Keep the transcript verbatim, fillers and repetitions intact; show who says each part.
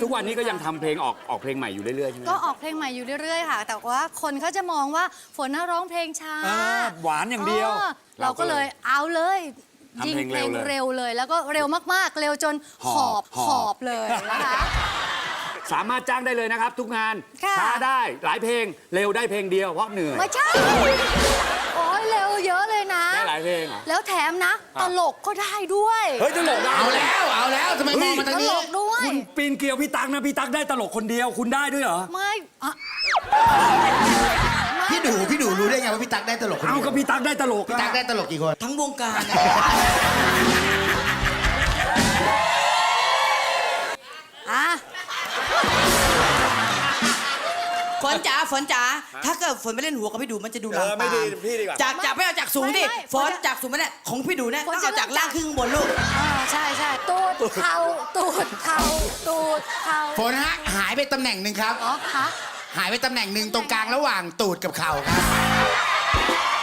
Speaker 1: ทุกวันนี้ก็ยังทำเพลงออกออกเพลงใหม่อยู่เรื่อยๆใช่ไหม
Speaker 2: ก็ออกเพลงใหม่อยู่เรื่อยๆค่ะ แต่ว่าคนเขาจะมองว่าฝนน่าร้องเพลงช้า
Speaker 1: อ่าหวานอย่างเดียว
Speaker 2: ออเราก็เลยเอาเลยยิง
Speaker 1: ทำเพ
Speaker 2: เพ
Speaker 1: ล
Speaker 2: ล
Speaker 1: ง
Speaker 2: ง
Speaker 1: เร็วเลย
Speaker 2: เร็วเลย แล้วก็เร็วมากๆ เร็วจนห
Speaker 1: ห
Speaker 2: อ
Speaker 1: อ
Speaker 2: บบ ห
Speaker 1: ห
Speaker 2: อ
Speaker 1: อ
Speaker 2: บบ เลยนะคะ
Speaker 1: สามารถจ้างได้เลยนะครับ ทุกงาน
Speaker 2: ค่ะ
Speaker 1: ช้าได้หลายเพลงเร็วได้เพลงเดียวเพราะเหนื่อย
Speaker 2: ไม่ใช่ โอ้ยเร็วเยอะเลยนะ
Speaker 1: ได้หลายเพลงเหรอ
Speaker 2: แล้วแถมนะ
Speaker 1: ครับ
Speaker 2: ตลกก็ได้ด้วย
Speaker 1: เฮ้ยตลกได้
Speaker 3: เอาแล้วเอาแล้วทำไมมองมาทาง
Speaker 2: ต
Speaker 3: นี้
Speaker 2: ลกด้วย
Speaker 1: คุณปีนเกลียวพี่ตั๊กนะพี่ตั๊กได้ตลกคนเดียวคุณได้ด้วยเหรอ
Speaker 2: ไม่อะ
Speaker 3: พี่ดูพี่ดูรู้ได้ไงว่าพี่ตั๊กได้ตลกคน
Speaker 1: เอา
Speaker 3: เดียว
Speaker 1: ก็พี่ตั๊กได้ตลก
Speaker 3: พี่ตั๊กได้ตลกกี่คน
Speaker 4: ทั้งวงการอะ
Speaker 2: อ่ะ
Speaker 4: ฝนจ๋าฝนจ๋าถ้าเกิดฝนไม่เล่นหัวกับพี่ดูมันจะดูลาม
Speaker 1: เออไม่ดีพี่ดีกว่า
Speaker 4: จากจากไม่เอาจากสูงดิฝนจากสูงไม่ได้ของพี่ดูเนี่ยต้องเอาจากล่างขึ้นข้างบนลูก
Speaker 2: อ่าใช่ใช่ตูดเข่าตูดเข่าตูดเข่า
Speaker 3: ฝนฮะหายไปตำแหน่งหนึ่งครับ
Speaker 2: อ๋อคะ
Speaker 3: หายไปตำแหน่งหนึ่งตรงกลางระหว่างตูดกับเข่าครับ